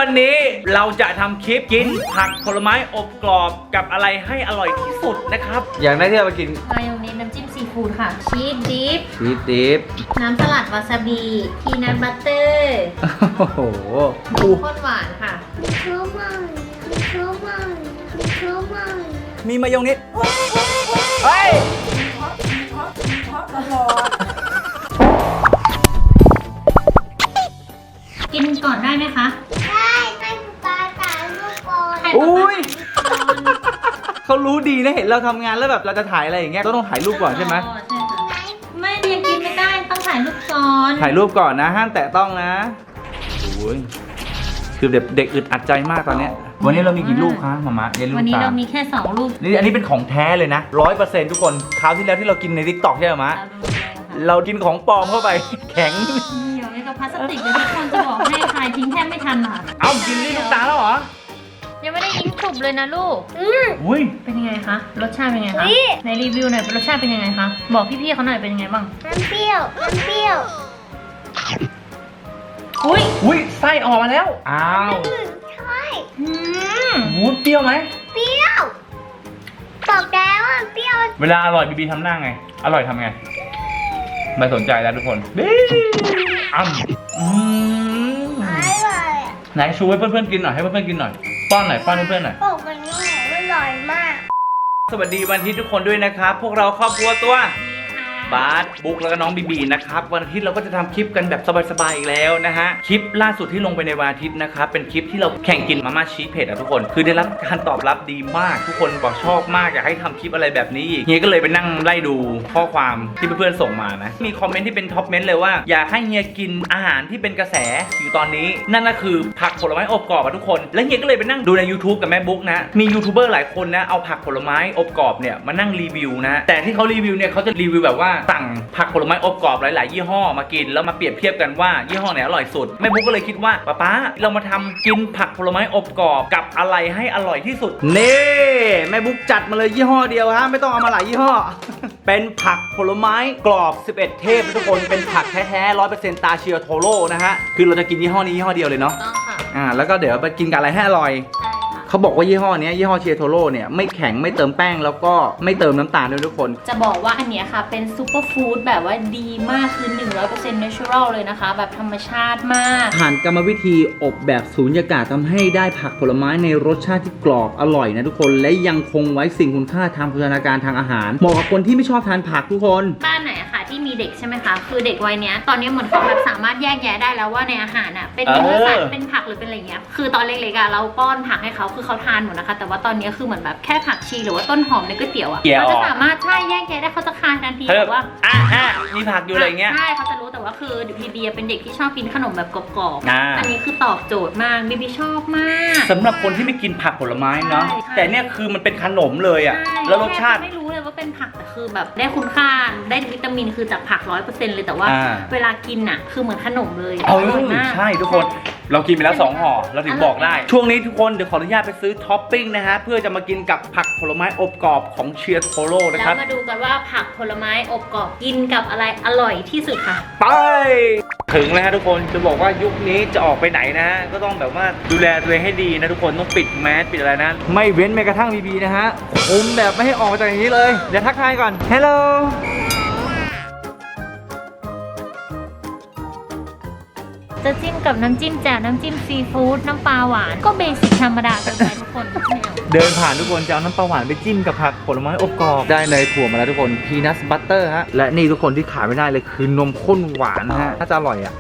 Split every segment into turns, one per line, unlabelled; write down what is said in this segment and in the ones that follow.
วันนี้เราจะทำคลิปกินผักผลไม้อบกรอบกับอะไรให้อร่อยที่สุดนะครับอย่างแรกที่เราไปกิน
มายองเนสน้ำจิ้มซีฟู้ดค่ะชีสดิฟน้ำสลัดวาซาบิพีนัทบัตเตอร์
โอ้โห
ข้นหวานค่ะ
มีมายองเนสเฮ้ย
กินก่อนได้ไหมคะ
ได้ให้ป๊าถ่ายรูปก่อน
อุ้ยเขารู้ดีนะเห็นเราทำงานแล้วแบบเราจะถ่ายอะไรอย่างเงี้ยต้องถ่ายรูปก่อนใช่ไหม
ใช่ค่ะไม่ยังกินไม่ได้ต้องถ่ายรูปก่อน
ถ่ายรูปก่อนนะห้ามแตะต้องนะโอ้ยคือเด็กอึดอัดใจมากตอนเนี้ยวันนี้เรามีกี่ลูกคะมามะเยลูก
วันนี้เรามีแค่2 ลูก
นี่อันนี้เป็นของแท้เลยนะ 100%ทุกคนคราวที่แล้วที่เรากินใน TikTok ใช่ไหมมะเรากินของปลอมเข้าไปแข็ง
เดี๋ยวนี้กับพลาสติกเลยทุกคนจะบอกให้ทายทิ้งแทบไม่ทันค่ะ
เอากินนี่ลูกตาแล้วเหรอ
ยังไม่ได้ยิ้มฉุบเลยนะลูก
อุ้ย
เป็นยังไงคะรสชาติเป็นยังไงคะในรีวิวหน่อยรสชาติเป็นยังไงคะบอกพี่ๆเขาหน่อยเป็นยังไงบ้าง
น้ำเปรี้ยว
อุ้ยไส้ออกมาแล้วอ้าว
ใช่
วูดเปรี้ยวไหม
เปรี้ยวบอกแล้วว่าเปรี้ยว
เวลาอร่อยบีทำหน้าไงอร่อยทำไงไม่สนใจแล้วทุกคนอ
ร่อย
ไหนชูให้เพื่อนๆกินหน่อยให้เพื่อนๆกินหน่อยป้อนหน่อยป้อนให้เพื่อนหน่อย
โอ้มันนี่อร่อยมาก
สวัสดีวันอาทิตย์ทุกคนด้วยนะครับพวกเราครอบครัวตัวบาสบุ๊กแล้วก็น้องบีนะครับวันอาทิตย์เราก็จะทำคลิปกันแบบสบายๆอีกแล้วนะฮะคลิปล่าสุดที่ลงไปในวันอาทิตย์นะครับเป็นคลิปที่เราแข่งกินมาม่าชีสเผ็ดทุกคนคือได้รับการตอบรับดีมากทุกคนบอกชอบมากอยากให้ทำคลิปอะไรแบบนี้เฮียก็เลยไปนั่งไล่ดูข้อความที่เพื่อนๆส่งมานะมีคอมเมนต์ที่เป็นท็อปเมนต์เลยว่าอยากให้เฮียกินอาหารที่เป็นกระแสอยู่ตอนนี้นั่นก็คือผักผลไม้อบกรอบทุกคนแล้วเฮียก็เลยไปนั่งดูใน YouTube กับแม่บุ๊กนะมียูทูบเบอร์หลายคนนะเอาผักผลไม้อบกรอบเนี่ยมานั่งรีวิวนะแต่ที่เขารีวิวเนี่ยเขาจะรีวิวแบบว่าสั่งผักผลไม้อบกรอบหลายๆยี่ห้อมากินแล้วมาเปรียบเทียบกันว่ายี่ห้อไหนอร่อยสุดแม่บุ๊กก็เลยคิดว่าป๊าเรามาทำกินผักผลไม้อบกรอบกับอะไรให้อร่อยที่สุดนี่แม่บุ๊กจัดมาเลยยี่ห้อเดียวฮะไม่ต้องเอามาหลายยี่ห้อ เป็นผักผลไม้กรอบ11เทพทุกคนเป็นผักแท้ๆ 100% ตาเชียวโทโร่นะฮะคือเราจะกินยี่ห้อนี้ยี่ห้อเดียวเลยเนาะ
ต้องค่ะ
แล้วก็เดี๋ยวไปกินกับอะไรให้อร่อยเขาบอกว่ายี่ห้อนี้ยี่ห้อเชียร์โทโร่เนี่ยไม่แข็งไม่เติมแป้งแล้วก็ไม่เติมน้ำตาลด้วยทุกคน
จะบอกว่าอันเนี้ยค่ะเป็นซูเปอร์ฟู้ดแบบว่าดีมากคือ 100% natural เลยนะคะแบบธรรมชาติมาก
ผ่านกรรมวิธีอบแบบสูญญากาศทำให้ได้ผักผลไม้ในรสชาติที่กรอบอร่อยนะทุกคนและยังคงไว้สิ่งคุณค่าทางโภชนาการทางอาหารเหมาะกับคนที่ไม่ชอบทานผักทุกคน
บ้านไหนอะค่ะที่มีเด็กใช่ไหมคะคือเด็กวัยเนี้ยตอนนี้เหมือนเขาแบบสามารถแยกแยะได้แล้วว่าในอาหารอะเป็นเนื้อสัตว์เป็นผักหรือเป็นอะไรเงี้ยคือตอนเล็กๆอะเราป้อนผักให้เขาคือเขาทานหมดนะคะแต่ว่าตอนนี้คือเหมือนแบบแค่ผักชีหรือว่าต้นหอมในก๋วยเตี๋ยวอ่ะเขาจะสามารถใช่แยกแยะได้เขาจะคานทันทีแต่ว่า
มีผักอยู่อะไรเงี้ย
ใช่เขาจะรู้แต่ว่าคือบีเป็นเด็กที่ชอบกินขนมแบบกรอบๆอันนี้คือตอบโจทย์มากบีชอบมาก
สำหรับคนที่ไม่กินผักผลไม้เนาะแต่เนี่ยคือมันเป็นขนมเลยอ่ะแล้วรสชาติ
ไม่รู้เลยว่าเป็นผักแต่คือแบบได้คุณค่าได้วิตามินคือจากผัก 100% เลยแต่ว่าเวลากินอ่ะคือเหมือนขนมเลยอร่อยมาก
ใช่ทุกคนเรากินไปแล้ว2ห่อเราถึงบอกได้ช่วงนี้ทุกคนเดี๋ยวขออนุญาตไปซื้อท็อปปิ้งนะฮะเพื่อจะมากินกับผักผลไม้อบกรอบของเชียร์โทโร่นะครับ
แล้วมาดูกันว่าผักผลไม้อบกรอบกินกับอะไรอร่อยที่สุดค่ะ
ไปถึงแล้วฮะทุกคนจะบอกว่ายุคนี้จะออกไปไหนนะฮะก็ต้องแบบว่าดูแลตัวเองให้ดีนะทุกคนต้องปิดแมสปิดอะไรนะไม่เว้นแม้กระทั่งบีนะฮะคุมแบบไม่ให้ออกมาจากอย่างนี้เลยเดี๋ยวทักทายก่อนฮัลโหล
จะจิ้มกับน้ำจิ้มแจ่วน้ำจิ้มซีฟู้ดน้ำปลาหวานก็เบสิกธรรมดาเกินไปทุกคน
เดินผ่านทุกคนจะเอาน้ำปลาหวานไปจิ้มกับผักผลไม้อบกรอบได้เนยถั่วมาแล้วทุกคนพีนัทบัตเตอร์ฮะและนี่ทุกคนที่ขาดไม่ได้เลยคือนมข้นหวานฮะน่าจะอร่อยอ่ะ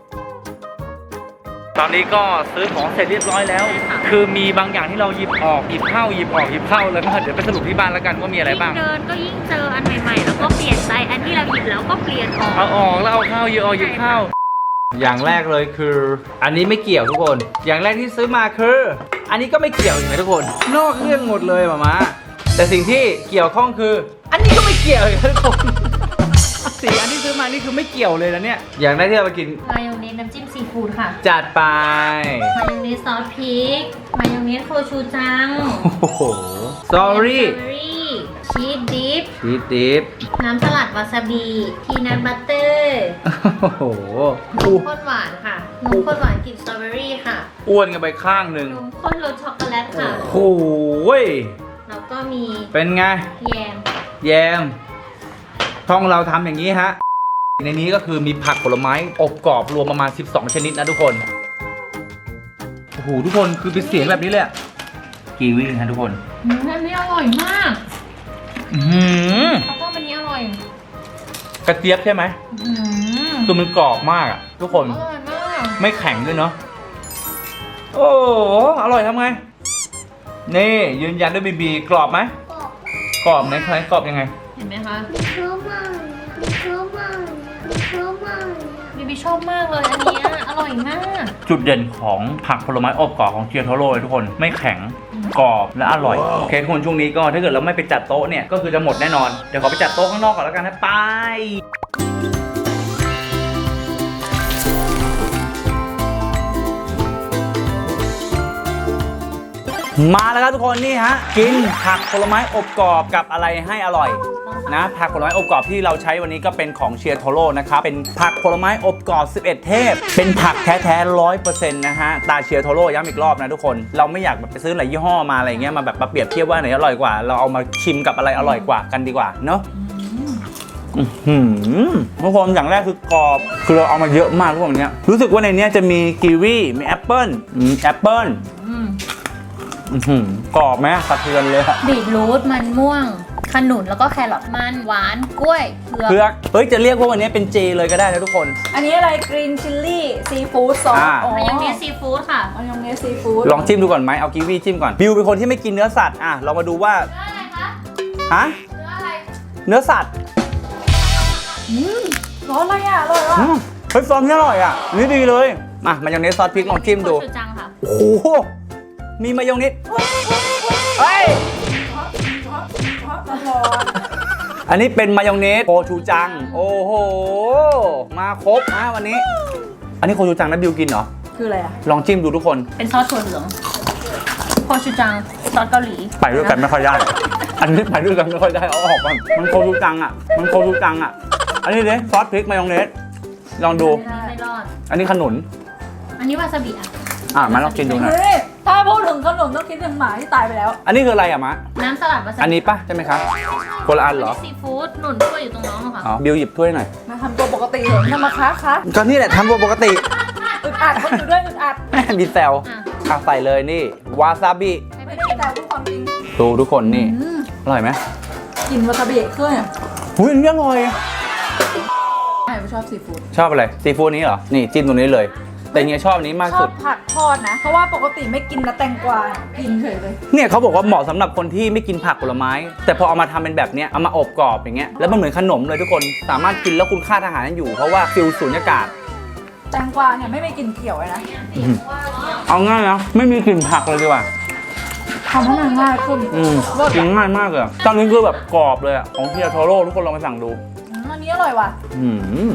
ตอนนี้ก็ซื้อของเสร็จเรียบร้อยแล้วคือมีบางอย่างที่เราหยิบออกหยิบเข้าหยิบออกหยิบเข้าแล้วก็เดี๋ยวไปสรุปที่บ้านแล้วกันว่ามีอะไรบ้าง
เดินก็ยิ่งเจออันใหม่ๆแล้วก็เปลี่ยนใจอันที่เราหยิบแล้วก็เปลี่ยนออก
เอาออกแล้วเอาเข้าหยิบออกหยิบเข้าอย่างแรกเลยคืออันนี้ไม่เกี่ยวทุกคนอย่างแรกที่ซื้อมาคืออันนี้ก็ไม่เกี่ยวอีกนะทุกคนนอกเรื่องหมดเลยหม่าแต่สิ่งที่เกี่ยวข้องคืออันนี้ก็ไม่เกี่ยวอีกนะทุกคนสีอันที่ซื้อมานี่คือไม่เกี่ยวเลยนะเนี่ยอย่างแรกที่เราไปกิน
มายองเนสน้ำจิ้มซีฟู้ดค่ะ
จัดไป
มายองเนสซอสพริกมายองเนสโคชูจัง
โอ้โหสตรอเบอรี่
ชีสดิฟ
ชีสดิฟ
น้ำสลัดวาซาบิพีนัทบัตเตอร์
โอ้โห
นมข้นหวานค่ะนมข้นหวานกลิ่นสตรอเบอรี่ค่ะ
อ้วนกันไปข้างหนึ่ง
นมข้นรสช็อกโกแลตค่ะ
โอ้โห
แล้วก็มี
เป็นไง
แยม
แยมช่องเราทำอย่างนี้ฮะ ในนี้ก็คือมีผักผลไม้อบกรอบรวมประมาณ 12 ชนิดนะทุกคน โอ้โห ทุกคนคือเป็นเสียงแบบนี้เลยอะกีวีฮะทุกคน
อันนี้อร่อยมาก
อื้อหือ
แล้วก็อันนี้อร่อย
กระเจี๊ยบใช่ไหม
อืม
คือมันกรอบมากอะทุกคน
อร่อยมาก
ไม่แข็งด้วยเนาะ โอ้โห อร่อยทำไง นี่ยืนยันด้วยบีบีกรอบไหม
บอก
กรอบไหมใครกรอบยังไง
เห็นไหมคะ
ชอบมากเลยชอบมากเลยชอบมากเลย
บีบีชอบมากเลยอันเนี้ยอร่อยมาก
จุดเด่นของผักผลไม้อบกรอบของเชียร์โทโร่เลยทุกคนไม่แข็งกรอบและอร่อยโอเคทุกคนช่วงนี้ก็ถ้าเกิดเราไม่ไปจัดโต๊ะเนี่ยก็คือจะหมดแน่นอนเดี๋ยวขอไปจัดโต๊ะข้างนอกก่อนแล้วกันนะไปมาแล้วครับทุกคนนี่ฮะกินผักผลไม้อบกรอบกับอะไรให้อร่อยนะผักผลไม้อบกรอบที่เราใช้วันนี้ก็เป็นของเชียร์โทโร่นะครับเป็นผักผลไม้อบกรอบ11 เทพเป็นผักแท้ๆ 100% นะฮะตาเชียร์โทโร่ย้ำอีกรอบนะทุกคนเราไม่อยากแบบไปซื้อหลายยี่ห้อมาอะไรเงี้ยมาแบบมาเปรียบเทียบว่าไหนอร่อยกว่าเราเอามาชิมกับอะไรอร่อยกว่ากันดีกว่าเนาะทุกคนอย่างแรกคือกรอบคือเราเอามาเยอะมากทุกคนเนี้ยรู้สึกว่าในเนี้ยจะมีกีวีมีแอปเปิ้ลกรอบไหมสะเทือนเลยอะ
บีทรูทมันม่วงขนุนแล้วก็แครอทมันหวานกล้วยเผือก
เผือกเฮ้ยจะเรียกว่าวันนี้เป็นเจเลยก็ได้นะทุกคน
อันนี้อะไรกรีนชิลลี่ซีฟู้ดซอส
มายองเนสซีฟู้ดค่ะ
มายองเนสซีฟู้ด
ลองจิ้มดูก่อนไหมเอากีวีจิ้มก่อนบิวเป็นคนที่ไม่กินเนื้อสัตว์อ่ะเรามาดูว่า
เนื้ออะไรคะ
ฮะ
เนื้ออะไร
เนื้อสัตว์
ร้อนอะไรอ่ะอร่อยว่ะ
เฮ้ยซอสนี่อร่อยอ่ะนี่ดีเลยมามายองเนสซอสพริกลองจิ้มดู
โคชูจังค่ะ
โอ้โหมีมายองเนสเฮ้ย
ร้อน
อันนี้เป็นมายองเนสโคชูจังโอ้โหมาครบนะวันนี้ อันนี้โคชูจังนะบิวกินเหรอ
คืออะไรอ่ะ
ลองจิ้มดูทุกคน
เป็นซอสถั่วเหลืองโคชูจังซอสเกาหลี
ไปด้วยกันไม่ค่อยได้ อันนี้ไปด้วยกันไม่ค่อยได้ เอาออกก่อนมันโคชูจังอ่ะ อันนี้เลยซอสพริกมายองเนส ลองดู
ไม่รอด
อันนี้ขนุน
อันนี้วาซาบิอ่ะ
มาลองกินดูหน่อย
เฮ้ยถ้าพูดถึงขนมต้องคิดถึงหมาที่ตายไปแล้ว
อันนี้คืออะไรอะมะ
น้ำสลัดวาซาบิ
อันนี้ปะใช่ไหมคะคนละอันเหรอ
ซีฟู้ดหนุนถ้วยอยู่ตรงน้องอะค่ะ
อ๋อ บิวหยิบถ้วยหน่อย
มาทำตัวปกติเถอะทำมาค้าคะ
ก็นี่แหละทำตัวปกติ
อึดอัดคนอยู่ด้วยอึดอัด
มีแซว
อ่ะ
อ่ะใส่เลยนี่ วาซาบิ
ให้ไป
ไม่ได้
ชิม
แต่พูดความจริง
ดูทุกคนนี่ อร่อยไหม
กินวาซาบิเครื่องอ่ะ
หุ้ยอันนี้อร่อย
ใครไม่ชอบซีฟู้ด
ชอบอะไร ซีฟู้ดนี้เหรอ นี่จิ้มตรงนี้เลย แต่เนี้ยชอบอันนี้มาก
ชอ
สุ
บ
ด
ผักทอดนะ เพราะว่าปกติไม่กินนะแตงกวากินเฉยเลย
เนี่ยเขาบอกว่าเหมาะสำหรับคนที่ไม่กินผักผลไม้ แต่พอเอามาทำเป็นแบบเนี้ยเอามาอบกรอบอย่างเงี้ยแล้วมันเหมือนขนมเลยทุกคนสามารถกินแล้วคุณค่าทางอาหารยังอยู่เพราะว่าฟิลสูญญากาศ
แตงกวาเนี่ยไม่มีกลิ่นเขียวเลยนะ
เอาง่ายนะไม่มีกลิ่นผักเลยดีกว่า
ทำให้มันง่ายขึ้น
กินง่ายมากเลยอะตอนนี้คือแบบกรอบเลยอะของเทียโทโร่ทุกคนลองไปสั่งดู
อันนี้อร่อยว่ะ
อืม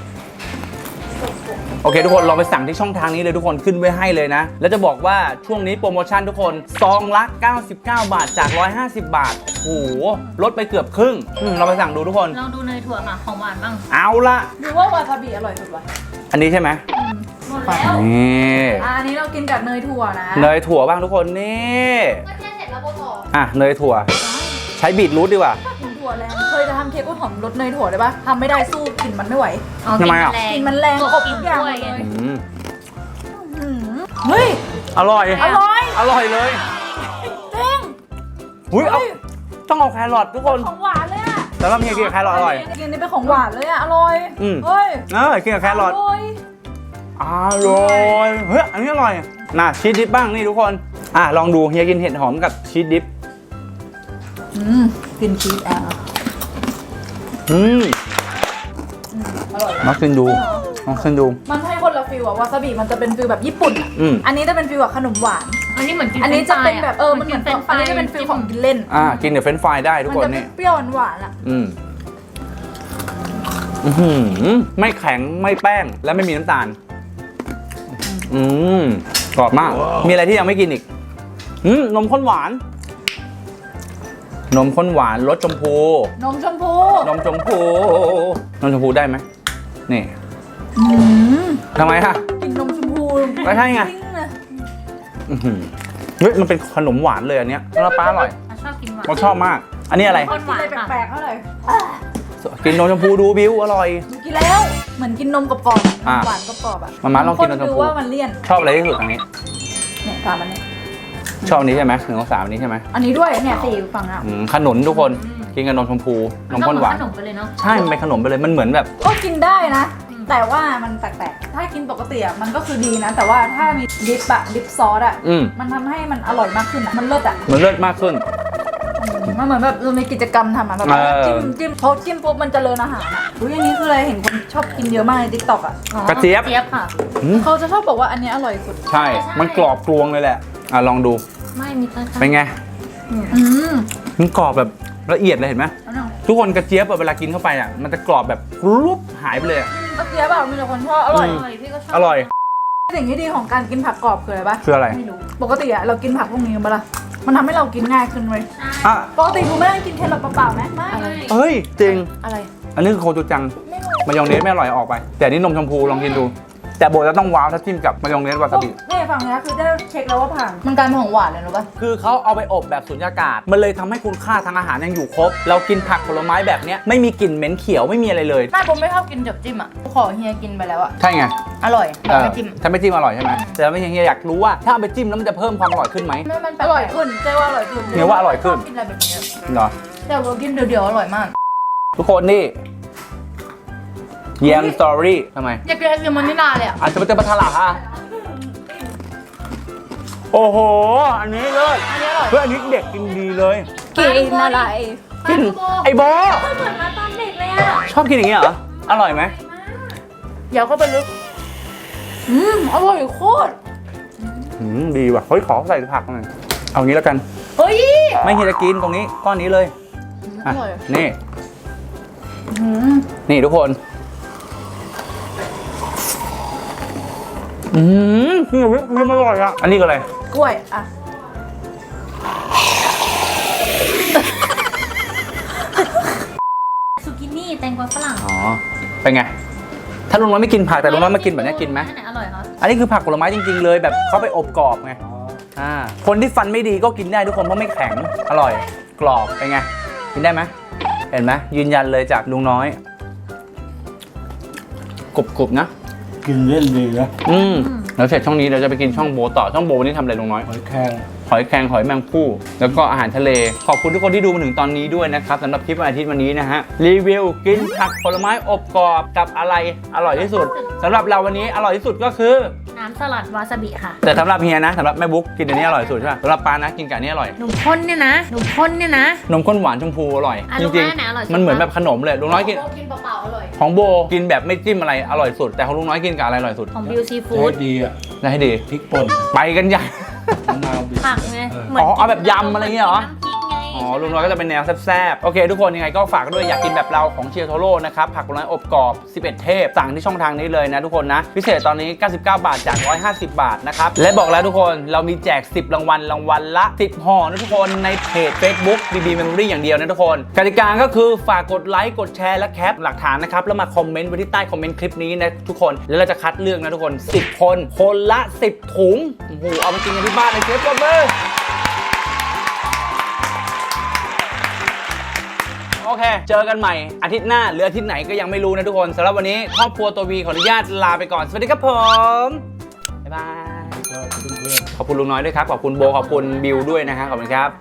โอเคทุกคนลองไปสั่งที่ช่องทางนี้เลยทุกคนขึ้นไว้ให้เลยนะ แล้วจะบอกว่าช่วงนี้โปรโมชั่นทุกคนซองละ99 บาทจาก150 บาทโอ้โหลดไปเกือบครึ่งเราไปสั่งดูทุกคน
ลองดูเนยถั่วค่ะของหวานบ้าง
เอาละ
ดูว่าวาซาบิอร่อยสุดว่ะ
อันนี้ใช่ไหม
หมดแล้ว
นี่
อันนี้เรากินกับเนยถั่วนะ
เนยถั่วบ้างทุกคนนี่
ก็แค่เสร็จแล้วโบต่อ
อ่ะเนยถั่ว ใช้บีทรูทดีกว่า
กินถั่วแรงเคยจะทำเค้กกล้วยหอมรสเนยถั่วได้ปะทำไม่ได้สู้กลิ่นมันไม่ไหว
ทำไมอ่ะ
กลิ่นมันแรงครบทุกอย่าง
ด้วย
เลย
อืม
เฮ้ย
อร่อย
อร่อย
อร่อยเลย
จริง
อุ้ยเอาต้องเอาแครอททุกคน
ของหวานเลยอะ
แต่ว่ามีกินกับแครอทอร่อย
กินนี่เป็นของหวานเลยอะอร่อย
อืม
เฮ้ย
กินกับแครอท
ร่อย
อร่อยเฮ้ยอันนี้อร่อยน่ะชีสดิปบ้างนี่ทุกคนลองดูเฮียกินเห็ดหอมกับชีสดิป
กินชีสแอล อร่อย
ลองกินดูลองกินดู
มันให้คนละฟิลอะวาซาบิมันจะเป็นฟิลแบบญี่ปุ่นอะ อันนี้จะเป็นฟิลแบบขนมหวาน
อันนี้เหมือนกิน
อันนี้จะเป็นแบบมัน
กิ
เหมือน
เป็น
อันนี้จะเป็นฟิลของกินเล่น
กินกับเฟรนช์ฟรายได้ทุก
มัน
คน
จะเป็
นี่
นเปรี้ยวหวานๆอะ
ไม่แข็งไม่แป้งและไม่มีน้ำตาลกรอบมาก มีอะไรที่ยังไม่กินอีกนมข้นหวานนมข้นหวานรสชมพู
นมชมพู
นมชมพูนมชมพูได้ไหมนี่
อืม
ทำไมฮะ
กินนมชมพู
ก็ใช่ไง
จริเลย
อื้อหือเฮ้ยมันเป็นขนมหวานเลยอันเนี้ยแล้วป้าอร่อย
ชอบกินหวาน
เราชอบมาก อันนี้อะไร
ข้นหวาน
อะไร
ค่ะ
แปลกๆเท่าไหร่
กินนมชมพูดูบิวอร่อย
กินแล้วเหมือนกินนมกรอบๆอะ
อ่ะ
หวานกรอบๆอ่ะ
มาม่าลองกินนมชมพู
ดูว่ามันเลี่ยน
ชอบอะไรที่สุดอันนี้
เนี่ยถามมันเนี่ย
ชอบอันนี้ใช่ไหม1 2 3อันนี้ใช่ไหม
อันนี้ด้วยเนี่ยสี่ฝั่งอ่ะ
ขนุนทุกคนกินกับนมชมพูนมข้นหวาน
ขนมไปเลยเนาะ
ใช่มันเป็นขนมไปเลยมันเหมือนแบบ
ก็กินได้นะ
อืม
แต่ว่ามันแปลกๆถ้ากินปกติอ่ะมันก็คือดีนะ แต่ว่าถ้ามีดิปซอสอ่ะ มันทำให้มันอร่อยมากขึ้นอ่ะมันเลิศอ่ะ
มันเลิศมากขึ้น
มันเหมือนแบบเรามีกิจกรรมทำอ่ะแบบ จิ้มพอจิ้มปุ๊บมันเจริญอาหารอ่ะอุ้ยอันนี้คืออะไรเห็นคนชอบกินเยอะมากในทิกตอกอ่ะ
อ๋อก
ระเจี๊ยบ
เจี๊ยบค่ะ
เขาจะชอบบอกว่าอันนี้อร่อยสุด
ใช่ มันกรอบกรวงเลยแหละลองดู
ไม่มีต้น
เป็นไง
อืม
มันกรอบแบบละเอียดเลยเห็นไหม
อันนั้น
ทุกคนกระเจี๊ยบอะเวลากินเข้าไปอ่ะมันจะกรอบแบบรุบหายไปเลยอะ
เมื่อกี้แบบมีแต่คนชอบอร่อย
อร่อยพี่ก็ชอบ
อร่อย
สิ่งที่ดีของการกินผักกรอบคืออะไรปะ
คืออะไร
ไม่รู้
ปกติอะเรากินผักพวกนี้กันปะล่ะมันทำให้เรากินง่ายขึ้นเว้ย
อ่ะ
ปกติกูไม่ได้กินแค่แบบเปล่าๆไหมไม่
อะไร
เฮ้ยจริง
อะไร
อันนี้คือโคจูจัง
ไม่รู้
มายองเนสไม่อร่อยออกไป แต่นี่นมชมพูลองกินดู แต่โบจะต้องว้าวถ้าจิ้มกับมายองเนสวาซาบิ
นี่ฝั่งนี้คือได้เช็คแล้วว่าผ่านมันกลายเป็นของหวานเลยรู้ปะ
คือเขาเอาไปอบแบบสุญญากาศ มันเลยทำให้คุณค่าทางอาหารยังอยู่ครบ เรากินผักผลไม้แบบเนี้ยไม่มีกลิ่นเหม็นเขียวไม่มีอะไรเลย
ไม่ผมไม่ชอบกินจับจิ้มอะขอเฮียกินไปแล้วอะ
ใช่ไง
อร่อยแบบไม่จิ้ม
ถ้าไม่จิ้มอร่อยใช่ไหมแต่ไม่ใช่เฮียอยากรู้ว่าถ้าเอาไปจิ้มแล้วมันจะเพิ่มความอร่อยขึ้นไหม
ไม่มันอร่อยขึ้นเจ๊ว่าอร่อยขึ้น
เฮียว่าอร่อยขึ้น
กินอะไรแบบนี้
เหรอ
แต่เรากินเดี๋ยวๆอร่อยมาก
ทุกคนนี่แยมสตอรี่ทำไม
อยากกินไอศกรีมมันนี่นานเลยอะ
อาจจะเป็นปลาทะลักอ่ะโอ้โห อันนี้เลย
อันนี้อร่อย
เพื่อนอันนี้เด็กกินดีเลย
กินอะไร
กินไอ้โบ
เหมือนมาตอนเด็กเลยอะ
ชอบกินอย่างเงี้ยเหรอ อร่อยไหม
เดี๋ยวเข้าไปลึกอร่อยโคตร
ดีว่ะ เฮ้ย ขอใส่ผักหน่อยเอางี้แล้วกัน
เฮ้ย
ไม่เฮียจะกินตรงนี้ก้อนนี้เลย
อร่อย
นี่
อืม
นี่ทุกคนนี่วิปครีมอร่อยอ่ะ อันนี้ก็อะไร
กล้วยอะ
ซูกินี่แตงกวาฝรั่ง
อ๋อ เป็นไง ถ้าลุงน้อยไม่กินผักแต่ลุงน้อยมากินแบบนี้กินไหม
อันไหนอร่อยคะ
อันนี้คือผักผลไม้จริงๆเลยแบบเขาไปอบกรอบไงคนที่ฟันไม่ดีก็กินได้ทุกคนเพราะไม่แข็ง อร่อย กรอบเป็นไง กินได้ไหมเห็นไหมยืนยันเลยจากลุงน้อยกรุบๆนะ
กินเล่นดีนะ
แล้วเสร็จช่องนี้เราจะไปกินช่องโบต่อช่องโบวันนี้ทำอะไรลุงน้อย
หอยแครง
หอยแครงหอยแมงภู่แล้วก็อาหารทะเล ขอบคุณทุกคนที่ดูมาถึงตอนนี้ด้วยนะครับสำหรับคลิปวันอาทิตย์วันนี้นะฮะรีวิวกินผักผลไม้อบกรอบกับอะไรอร่อยที่สุดสำหรับเราวันนี้อร่อยที่สุดก็คือ
น้ำสลัดวาซาบิค่ะ
แต่สำหรับเฮียนะสำหรับแม่บุ๊กกินอันนี้อร่อยสุดใช่ป่ะสำหรับปานะกินกับอันนี้อร่อย
หนุ่มข้นเนี่ยนะ หนุ่มข้นเนี่ยนะ
นมข้นหวานชมพูอร่อย
อ่ะ
จ
ลุง
ริง
น้อยไหนอร่อยสุด
ๆมันเหมือนแบบขนมเลยลุงน้อยกิน
กินเปล่าๆอร่อย
ของโบกินแบบไม่จิ้มอะไรอร่อยสุด แต่ของลุงน้อยกินกับอะไรอร่อยสุด
ของบิวซีฟู้
ใช้
ด
ดีอ่ะ
ได้ให้ดี
พริกป่น
ไปกันใหญ่
มะนาวบีบ
ผักไง
อ๋อเอาแบบยำอะไรเงี้ยเหรอ
น้ำพริกไง
อ๋อลุงน้อยก็จะเป็นแนวแซ่บๆ โอเค ทุกคนยังไงก็ฝากด้วยอยากกินแบบเราของเชียร์โทโร่นะครับ ผักผลไม้อบกรอบ 11 เทพ สั่งที่ช่องทางนี้เลยนะทุกคนนะ พิเศษตอนนี้ 99 บาทจาก 150 บาทนะครับ และบอกแล้วทุกคนเรามีแจก 10 รางวัลละ 10 ห่อนะทุกคนในเพจ Facebook BB Memory อย่างเดียวนะทุกคนกติกาก็คือฝากกดไลค์กดแชร์และแคปหลักฐานนะครับแล้วมาคอมเมนต์ไว้ที่ใต้คอมเมนต์คลิปนี้นะทุกคนแล้วเราจะคัดเลือกนะทุกคน 10 คนคนละ 10 ถุงโอ้โหเอาไปกินกันที่บ้านเลยเชฟเบอร์ โอเค เจอกันใหม่อาทิตย์หน้าหรืออาทิตย์ไหนก็ยังไม่รู้นะทุกคนสำหรับวันนี้ครอบครัวตัววีขออนุญาตลาไปก่อน สวัสดีครับผม บ๊ายบาย
ก็เพื่อนๆ
ขอบคุณลุงน้อยด้วยครับ ขอบคุณโบ ขอบคุณบิวด้วยนะฮะขอบคุณครับ